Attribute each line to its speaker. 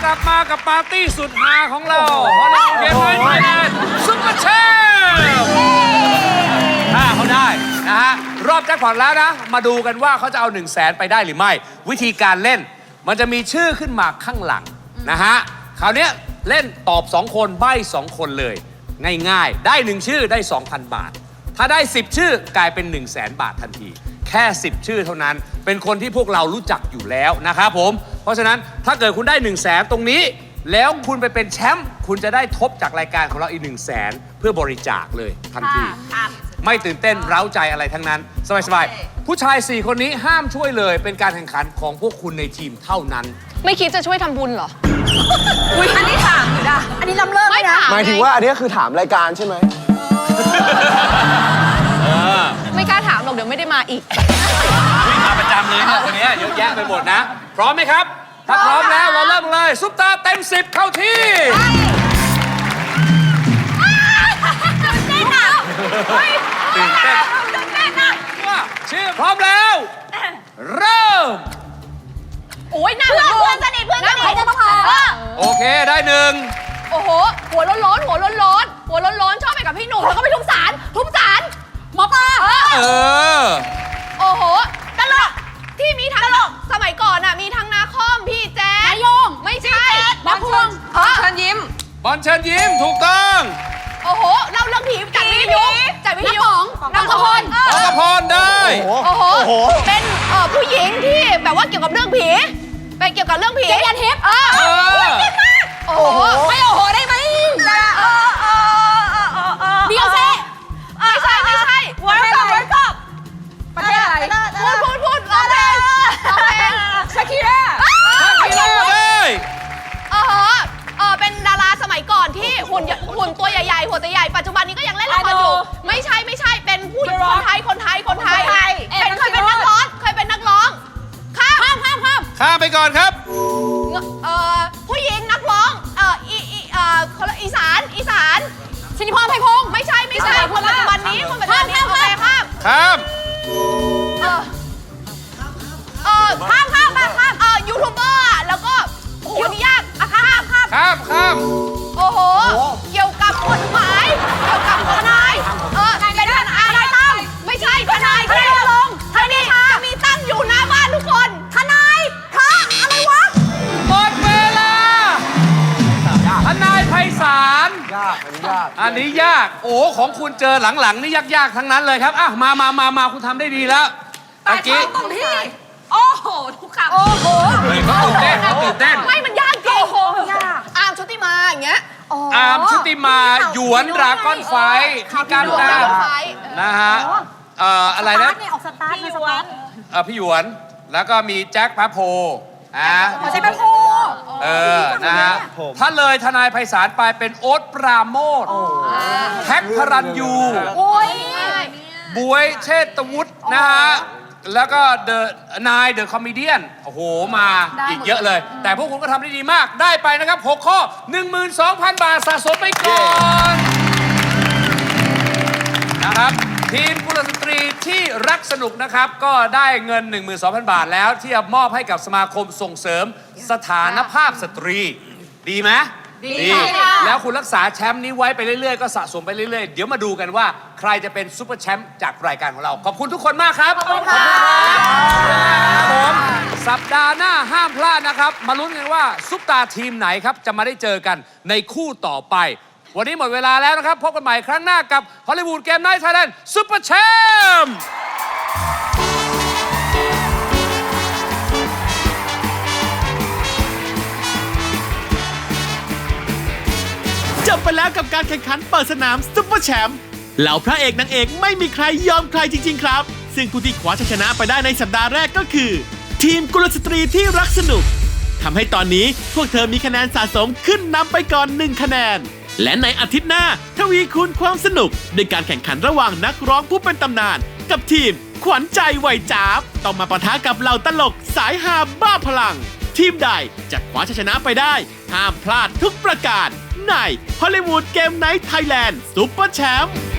Speaker 1: ลับมากับปาร์ตี้สุดฮาของเราฮอลลีวูดเกมไนท์ไทยแลนด์ซุปเปอร์แชมป์ถ้าเขาได้นะฮะรอบแจ็คพอตแล้วนะมาดูกันว่าเขาจะเอา1 0 0 0 0แสนไปได้หรือไม่ วิธีการเล่นมันจะมีชื่อขึ้นมาข้างหลังนะฮะคราวนี้เล่นตอบ2 คนใบ้2 คนเลยง่ายๆได้1 ชื่อได้ 2,000 บาทถ้าได้10 ชื่อกลายเป็น1 0 0 0 0 0 บาททันทีแค่10 ชื่อเท่านั้นเป็นคนที่พวกเรารู้จักอยู่แล้วนะครับผมเพราะฉะนั้นถ้าเกิดคุณได้1 0 0 0 0แสนตรงนี้แล้วคุณไปเป็นแชมป์คุณจะได้ทบจากรายการของเราอีก1 0 0 0 0แสนเพื่อบริจาคเลยทันทีไม่ตื่นเต้นเร้าใจอะไรทั้งนั้นสบายๆผู้ชาย4 คนนี้ห้ามช่วยเลยเป็นการแข่งขันของพวกคุณในทีมเท่านั้น
Speaker 2: ไม่คิดจะช่วยทำบุญเหรอ
Speaker 3: อุ้ยอันนี้ถามอยู่นะอันนี้ล้ำเลิศไหมนะ
Speaker 4: หมายถึงว่าอันนี้คือถามรายการใช่ไหม
Speaker 2: ไม่กล้าถามหรอกเดี๋ยวไม่ได้มาอีก
Speaker 1: วิ่งมาประจำเลยเนี่ยคนนี้เยอะแยะไปหมดนะพร้อมไหมครับถ้าพร้อมแล้วเราเริ่มเลยซุปตาเต็ม10เข้าที่ตื่นเต้นว่าชื่อพร้อมแล้วเริ่ม
Speaker 2: โอ้ยหน้าเพื่อนสนิท
Speaker 1: โอเคได้1
Speaker 2: โอ้โหหัวร้อนชอบไปกับพี่หนุ่มแล้วก็ไปทุบศาลหมอปลาโอ้โหตลกที่มีทั้งสมัยก่อนน่ะมีทั้งนาคอมพี่แจ๊ดนายงไม่ใช่
Speaker 3: บอลเชิญยิ้ม
Speaker 1: ถูกต้อง
Speaker 2: โอ้โหเล่าเรื่องผีจัดวิทยุน้องกระพร
Speaker 1: ได้
Speaker 2: โอ้โหเป็นผู้หญิงที่แบบว่าเกี่ยวกับเรื่องผีเป็นเกี่ยวกับเรื่องผียันทิพย์โอ้โหไม่โอ้โหได้ไหมเบียร์เซ่ไม่ใช่
Speaker 3: เวิร์กอัพประเทศอะไร
Speaker 2: พูดร้องเพลง
Speaker 3: ชาคิร่า
Speaker 1: ได้
Speaker 2: เป็นดาราสมัยก่อนที่หุ่นตัวใหญ่ๆหัวตัวใหญ่ปัจจุบันนี้ก็ยังเล่นละครอยู่ไม่ใช่เป็นผู้คนไทยเคยเป็นนักร้อง
Speaker 1: ข้ามไปก่อนครับ
Speaker 2: ผู้หญิงนักร้องอีสานชินิพรไพพงศ์ไม่ใช่คนปัจจุบันนี้โอเคข้ามยูทูบเบอร์แล้วก็โอ้โหนี่ยาก
Speaker 1: ข้าม
Speaker 2: โอ้โหเกี่ยวกับกฎหมายเกี่ยวกับทนายเป็นทนายตั้งไม่ใช่ทนายลงทนายจะมีตั้งอยู่หน้าบ้านทุกคนทนายอะไรวะ
Speaker 1: หมดเวลาทนายไพศาลอันนี้ยากโอ้ของคุณเจอหลังๆนี่ยากทั้งนั้นเลยครับมาคุณทำได้ดีแล้วตะกี้
Speaker 3: ตรงที่โอ้โหทุกคำ
Speaker 1: เขาตื่นเต้น
Speaker 2: ไม่มันยากจริงอาร์มชุติมาอย่างเงี้ย
Speaker 1: อาร์มชุติมาหยวนดราก้อนไฟที่ก้าวหน้านะฮะอะไรนะพี่หยวนแล้วก็มีแจ็คพระโพ
Speaker 3: ใช่พระโพ
Speaker 1: นะฮะถ้าเลยทนายไพศาลไปเป็นโอ๊ตปราโมทแท็กพรัญยูบวยเชษฐวุฒินะฮะแล้วก็เดอะคอมเมเดี้โอ้โหมาอีกเยอะเลยแต่พวกคุณก็ทำได้ดีมากได้ไปนะครับ6 ข้อ 12,000 บาทสะสมไปก่อนนะครับทีมกุลสตรีที่รักสนุกนะครับก็ได้เงิน 12,000 บาทแล้วที่จะมอบให้กับสมาคมส่งเสริมสถานภาพสตรีดีไหมดีแล้วคุณรักษาแชมป์นี้ไว้ไปเรื่อยๆก็สะสมไปเรื่อยๆเดี๋ยวมาดูกันว่าใครจะเป็นซุปเปอร์แชมป์จากรายการของเราขอบคุณทุกคนมากครับขอบคุณครับผมสัปดาห์หน้าห้ามพลาดนะครับมาลุ้นกันว่าซุปตาทีมไหนครับจะมาได้เจอกันในคู่ต่อไปวันนี้หมดเวลาแล้วนะครับพบกันใหม่ครั้งหน้ากับฮอลลีวูดเกมไนท์ไทยแลนด์ซุปเปอร์แชมป์
Speaker 5: จบไปแล้วกับการแข่งขันเปิดสนามซุปเปอร์แชมป์เหล่าพระเอกนางเอกไม่มีใครยอมใครจริงๆครับซึ่งผู้ที่คว้าชัยชนะไปได้ในสัปดาห์แรกก็คือทีมกุลสตรีที่รักสนุกทำให้ตอนนี้พวกเธอมีคะแนนสะสมขึ้นนำไปก่อน1 คะแนนและในอาทิตย์หน้าทวีคูณความสนุกด้วยการแข่งขันระหว่างนักร้องผู้เป็นตำนานกับทีมขวัญใจวัยจ๊าบต้องมาปะทะกับเหล่าตลกสายฮาบ้าพลังทีมใดจะคว้าชัยชนะไปได้ห้ามพลาดทุกประการในฮอลลีวูดเกมไนท์ไทยแลนด์ซุปเปอร์แชมป์